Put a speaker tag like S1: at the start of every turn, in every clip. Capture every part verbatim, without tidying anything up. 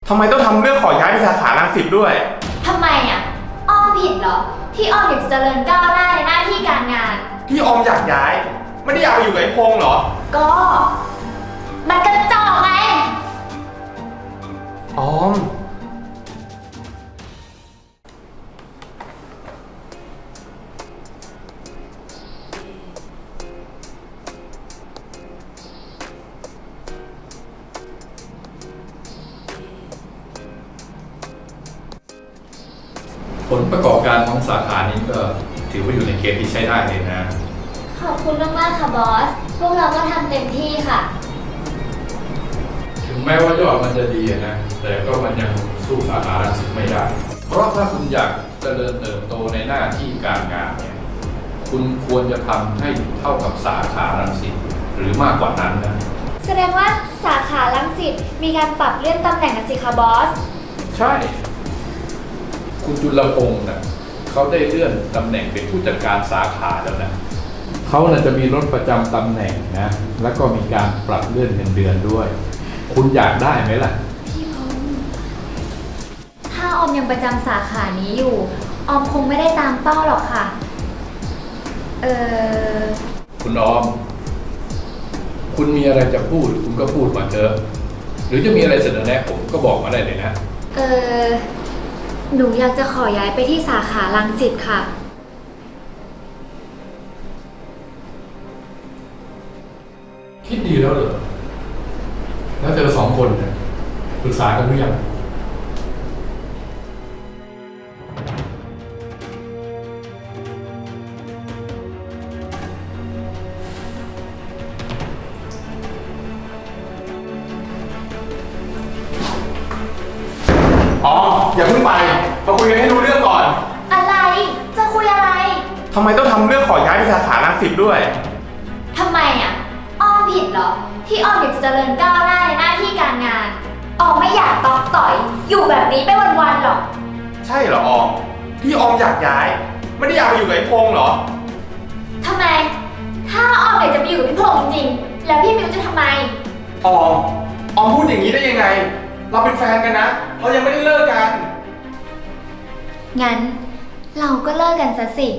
S1: ทำไมต้องทำเรื่องขอย้ายไปสาขารังสิตด้วย
S2: ทำไมอ่ะอ้อมผิดเหรอที่อ้อมอยากจะเจริญก้าวหน้าในหน้าที่การงาน
S1: ที่ออมอยากย้ายไม่ได้อยากไปอยู่กับไอ้พงษ์เหรอ
S2: ก็มันกระจอกไง
S1: ออม
S3: ผลประกอบการของสาขานี้ก็ถือว่าอยู่ในเกณฑ์ที่ใช้ได้เลยนะ
S2: ขอบคุณมากๆค่ะบอสพวกเราก็ทำเต็มที่ค่ะ
S3: ถึงแม้ว่ายอดมันจะดีนะแต่ก็มันยังสู้สาขารังสิตไม่ได้เพราะถ้าคุณอยากเจริญเติบโตในหน้าที่การงานเนี่ยคุณควรจะทำให้เท่ากับสาขารังสิตหรือมากกว่านั้นนะ
S2: แสดงว่าสาขารังสิตมีการปรับเลื่อนตำแหน่งนะสิคะบอส
S3: ใช่คุณจุลพงศ์นะเขาได้เลื่อนตำแหน่งเป็นผู้จัดการสาขาแล้วนะเขาน่ะจะมีรถประจำตำแหน่งนะแล้วก็มีการปรับเลื่อนเงินเดือนด้วยคุณอยากได้ไหมล่ะ
S2: พี่พงศ์ถ้าออมยังประจำสาขานี้อยู่ออมคงไม่ได้ตามเป้าหรอกค่ะเออ
S3: คุณออมคุณมีอะไรจะพูดคุณก็พูดมาเถอะหรือจะมีอะไรเสนอแนะผมก็บอกมาได้เลยนะ
S2: เออหนูอยากจะขอย้ายไปที่สาขารังสิตค่ะ
S3: คิดดีแล้วเหรอแล้วเธอสองคนเนี่ยปรึกษากันหรือยัง
S1: อ๋ออย่าเพิ่งไปมาคุยกันให้รู้เรื่องก่อน
S2: อะไรจะคุยอะไร
S1: ทำไมต้องทำเรื่องขอย้ายไปสาขารังสิตด้วย
S2: ทำไมอ่ะอ้อมผิดเหรอที่อ้อมอยากจะเจริญก้าวหน้าในหน้าที่การงานอ้อมไม่อยากตอกต่อยอยู่แบบนี้ไปวันๆหรอก
S1: ใช่เหรอออมที่ออมอยากย้ายไม่ได้อยากไปอยู่กับไอ้พงษ์เหรอ
S2: ทำไมถ้าอ้อมอยากจะไปอยู่กับพี่พงษ์จริงแล้วพี่มิวจะทำไม
S1: ออมออมพูดอย่างนี้ได้ยังไงเราเป็นแฟนกันนะเรายังไม่ได้เลิกกัน
S2: งั้นเราก็เลิกกันซะสิ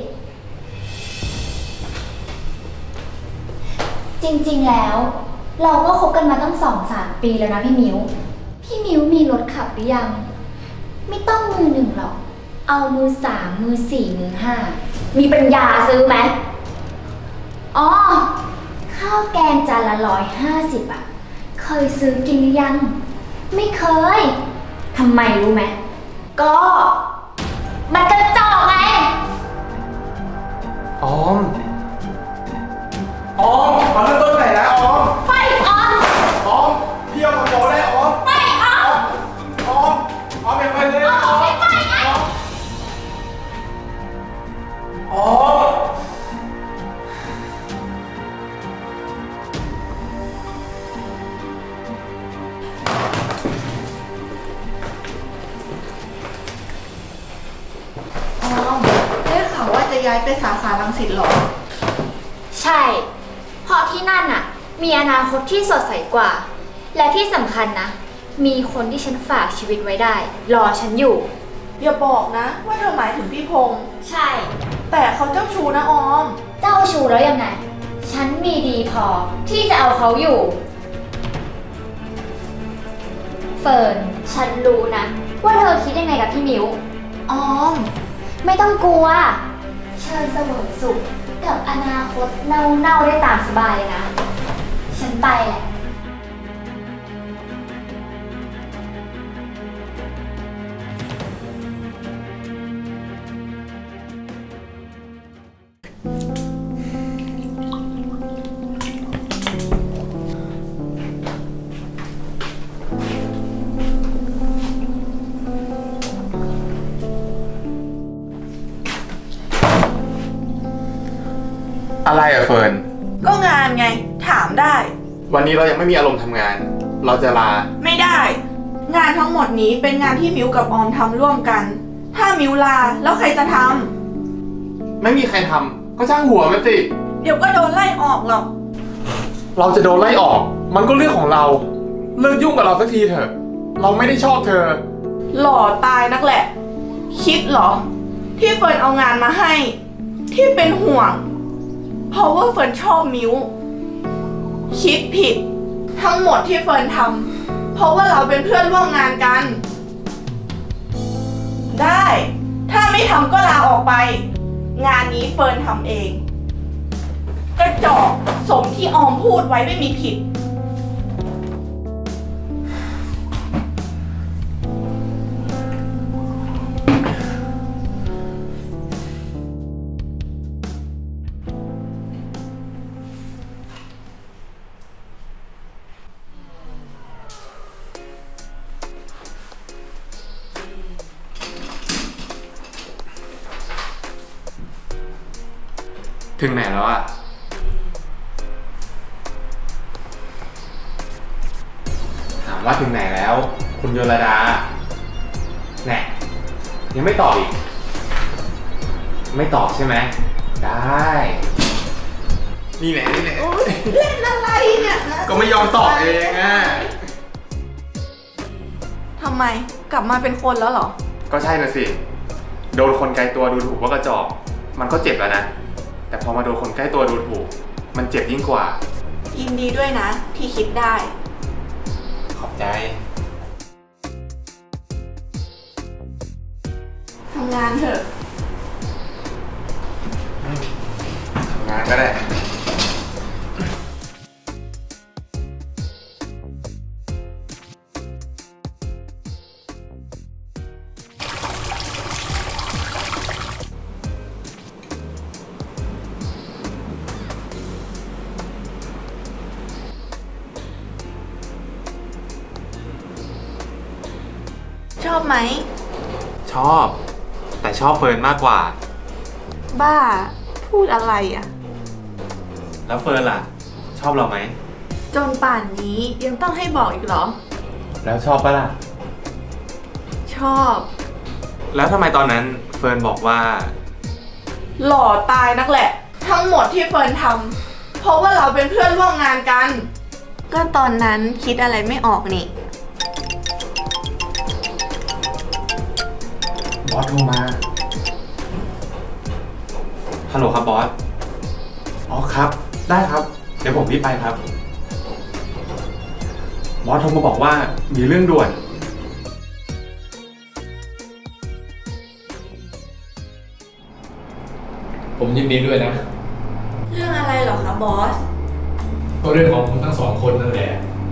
S2: จริงๆแล้วเราก็คบกันมาตั้งสองสามปีแล้วนะพี่มิวพี่มิวมีรถขับหรือยังไม่ต้องมือหนึ่งหรอกเอามือสามมือสี่มือห้ามีปัญญาซื้อไหมอ๋อข้าวแกงจานละร้อยห้าสิบอะเคยซื้อกินหรือยังไม่เคยทำไมรู้ไหมก็มันกระจอกไง
S1: ออมออมมาเริ่มต้นไหนนะออม
S2: ไม่ออม
S1: ออมเที่ยวกับโบได้ออม
S2: ไม่ออม
S1: ออมออมอย่าไปเลย
S2: ออมไม่ไปไง
S1: ออม
S4: ได้ข่าวว่าจะย้ายไปสาขารังสิตหรอ
S2: ใช่เพราะที่นั่นน่ะมีอนาคตที่สดใสกว่าและที่สำคัญนะมีคนที่ฉันฝากชีวิตไว้ได้รอฉันอยู่
S4: อย่าบอกนะว่าเธอหมายถึงพี่พงษ์
S2: ใช่
S4: แต่เขาเจ้าชู้นะออม
S2: เจ้าชู้แล้วยังไงฉันมีดีพอที่จะเอาเขาอยู่เฟิร์นฉันรู้นะว่าเธอคิดยังไงกับพี่มิวออมไม่ต้องกลัวเชิญเสวยสุขกับอนาคตเน่าๆได้ตามสบายเลยนะฉันไปแหละ
S1: อะไรอะเฟิร์น
S4: ก็งานไงถามได้
S1: วันนี้เรายังไม่มีอารมณ์ทำงานเราจะลา
S4: ไม่ได้งานทั้งหมดนี้เป็นงานที่มิวกับออมทำร่วมกันถ้ามิวลาแล้วใครจะท
S1: ำไม่มีใครทำก็ช่างหัวมันสิ
S4: เดี๋ยวก็โดนไล่ออกหรอก
S1: เราจะโดนไล่ออกมันก็เรื่องของเราเลิกยุ่งกับเราสักทีเถอะเราไม่ได้ชอบเธอ
S4: หล่อตายนักแหละ คิดเหรอ ที่เฟิร์นเอางานมาให้ ที่เป็นห่วง เพราะว่าเฟิร์นชอบมิ้ว คิดผิด ทั้งหมดที่เฟิร์นทำเพราะว่าเราเป็นเพื่อนร่วมงานกัน ได้ ถ้าไม่ทำก็ลาออกไป งานนี้เฟิร์นทำเอง กระจอกสมที่ออมพูดไว้ไม่มีผิด
S1: ถึงไหนแล้วอะถามว่าถึงไหนแล้ว คุณโยรดาแน่ยังไม่ตอบอีก ไม่ตอบใช่ไหม ได้ นี่แหละนี่แหละ
S4: เล่นอะไรเนี่ย
S1: ก็ไม่ยอมตอบเองอะ
S4: ทำไมกลับมาเป็นคนแล้วเหรอ
S1: ก็ใช่น่ะสิ โดนคนไกลตัวดูถูกว่ากระจอก มันก็เจ็บแล้วนะ แต่พอมาโดนคนใกล้ตัวดูถูก มันเจ็บยิ่งกว่า
S4: ยินดีด้วยนะ ที่คิดได้
S1: ขอบใจ
S4: ทำงานเถอะ
S1: ทำงานก็ได้
S4: ชอบไหม
S1: ชอบ แต่ชอบเฟิร์นมากกว่า
S4: บ้า พูดอะไรอ่ะ
S1: แล้วเฟิร์นล่ะ ชอบเราไหม
S4: จนป่านนี้ยังต้องให้บอกอีกเหรอ
S1: แล้วชอบปะล่ะ
S4: ชอบ
S1: แล้วทำไมตอนนั้นเฟิร์นบอกว่า
S4: หล่อตายนักแหละ ทั้งหมดที่เฟิร์นทำเพราะว่าเราเป็นเพื่อนร่วมงานกัน ก็ตอนนั้นคิดอะไรไม่ออกนี่
S1: บอสโทรมา ฮัลโหลครับบอส อ๋อครับ ได้ครับ เดี๋ยวผมรีบไปครับ บอสโทรมาบอกว่ามีเรื่องด่วน
S3: ผมยินดีด้วยนะ
S4: เรื่องอะไรเหรอคะบอส
S3: ก็เรื่องของคุณทั้งสองคนนั่นแหละ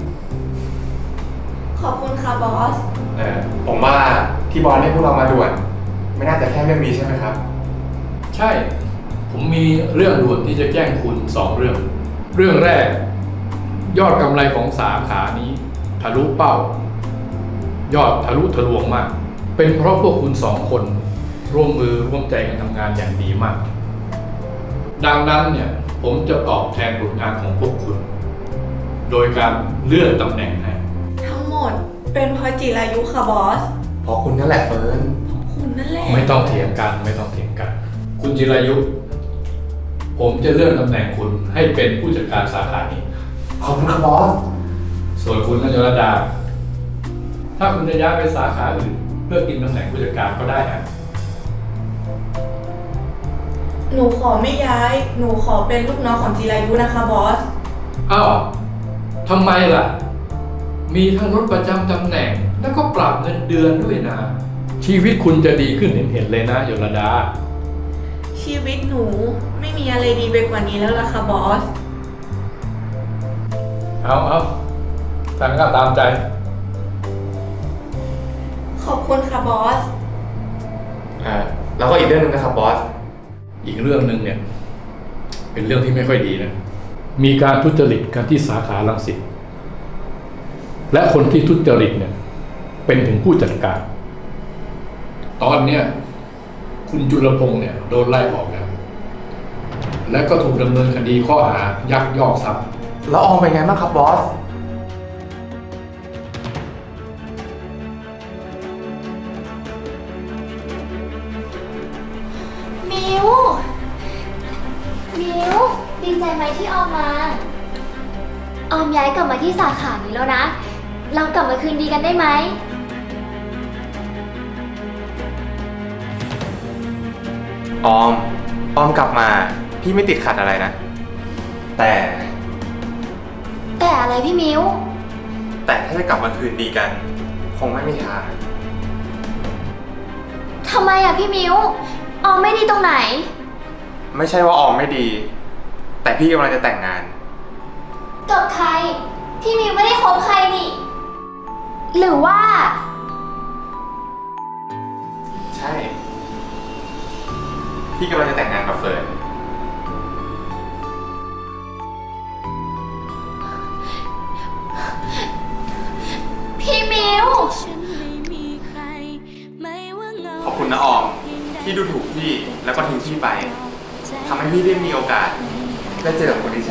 S4: ขอบคุณค่ะบอส
S1: เออผมว่าที่บอสให้พวกเรามาด่วน ไม่น่าจะแค่เรื่องนี้ใช่ไหมครับ
S3: ใช่ ผมมีเรื่องด่วนที่จะแจ้งคุณสองเรื่อง เรื่องแรก ยอดกำไรของสาขานี้ทะลุเป้า ยอดทะลุทะลวงมาก เป็นเพราะพวกคุณสองคนร่วมมือร่วมใจกันทำงานอย่างดีมาก ดังนั้นเนี่ยผมจะตอบแทนผลงานของพวกคุณ โดยการเลื่อนตำแหน่งให้
S4: ทั้งหมดเป็นเพราะจิรายุค่ะบอส
S1: เพราะคุณนั่นแหละเฟิร์น
S4: คุณนั่นแหละ
S3: ไม่ต้องเถียงกันไม่ต้องเถียงกัน คุณจิรายุ ผมจะเลื่อนตำแหน่งคุณให้เป็นผู้จัดการสาขานี้
S1: ขอบคุณครับบอส
S3: ส่วนคุณนยรดา ถ้าคุณจะย้ายไปสาขาอื่นเพื่อกินตำแหน่งผู้จัดการก็ได้นะ
S4: หนูขอไม่ย้าย หนูขอเป็นลูกน้องของจิรายุนะคะบอส
S3: อ้าวทำไมล่ะ มีทั้งลดประจำตำแหน่ง แล้วก็ปรับเงินเดือนด้วยนะ ชีวิตคุณจะดีขึ้นเห็นๆเลยนะยรดา
S4: ชีวิตหนูไม่มีอะไรดีไปกว่านี้แล้วล่ะค่ะบอส
S3: เอาเอาทางก็ตามใจ
S4: ขอบคุณค่ะบอส
S1: อ่า แล้วก็อีกเรื่องหนึงนะครับบอส
S3: อีกเรื่องหนึ่งเนี่ย เป็นเรื่องที่ไม่ค่อยดีนะ มีการทุจริตกันที่สาขารังสิตและคนที่ทุจริตเนี่ย เป็นถึงผู้จัดการ ตอนเนี้ยคุณจุลพงษ์เนี่ยโดนไล่ออกแล้ว และก็ถูกดำเนินคดีข้อหายักยอกทรัพย์
S1: แล้วออมเป็นไงบ้างครับบอส
S2: มิว มิว ดีใจไหมที่ออมมา ออมย้ายกลับมาที่สาขานี้แล้วนะเรากลับมาคืนดีกันได้ไหม
S1: ออม ออมกลับมา พี่ไม่ติดขัดอะไรนะ แต่
S2: แต่อะไรพี่มิ้ว
S1: แต่ถ้าจะกลับมาคืนดีกัน คงไม่มีทาง
S2: ทำไมอะพี่มิ้ว ออมไม่ดีตรงไหน
S1: ไม่ใช่ว่าออมไม่ดี แต่พี่กำลังจะแต่งงาน
S2: กับใคร พี่มิ้วไม่ได้คบใครนี่ หรือว่า
S1: ใช่ พี่กำลังจะแต่งงานกับเฟิร์น
S2: พี่มิ้ว
S1: ขอบคุณนะออม ที่ดูถูกพี่แล้วก็ทิ้งพี่ไปทำให้พี่ได้มีโอกาสได้เจอกับคนที่ใช่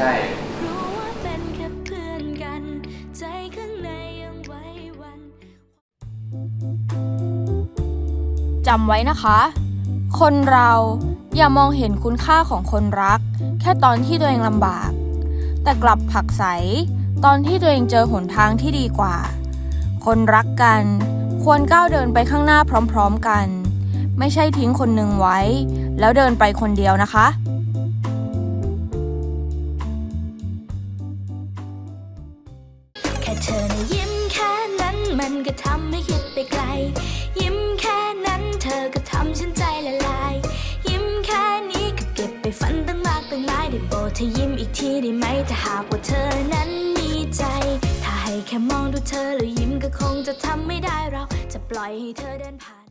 S5: จำไว้นะคะ คนเราอย่ามองเห็นคุณค่าของคนรักแค่ตอนที่ตัวเองลำบาก แต่กลับผลักไสตอนที่ตัวเองเจอหนทางที่ดีกว่า คนรักกันควรก้าวเดินไปข้างหน้าพร้อมๆกัน ไม่ใช่ทิ้งคนหนึ่งไว้ แล้วเดินไปคนเดียวนะคะ
S6: แค่เธอนะยิ้มแค่นั้นมันก็ทำให้คิดไปไกล ยิ้มแค่นั้นเธอก็ทำฉันใจละลาย ยิ้มแค่นี้ก็เก็บไปฝันตั้งมากตั้งหลายได้โปรดเธอยิ้มอีกทีได้ไหมถ้าหากว่าเธอนั้นมีใจ ถ้าให้แค่มองดูเธอแล้วยิ้มก็คงจะทำไม่ได้เราจะปล่อยให้เธอเดินผ่าน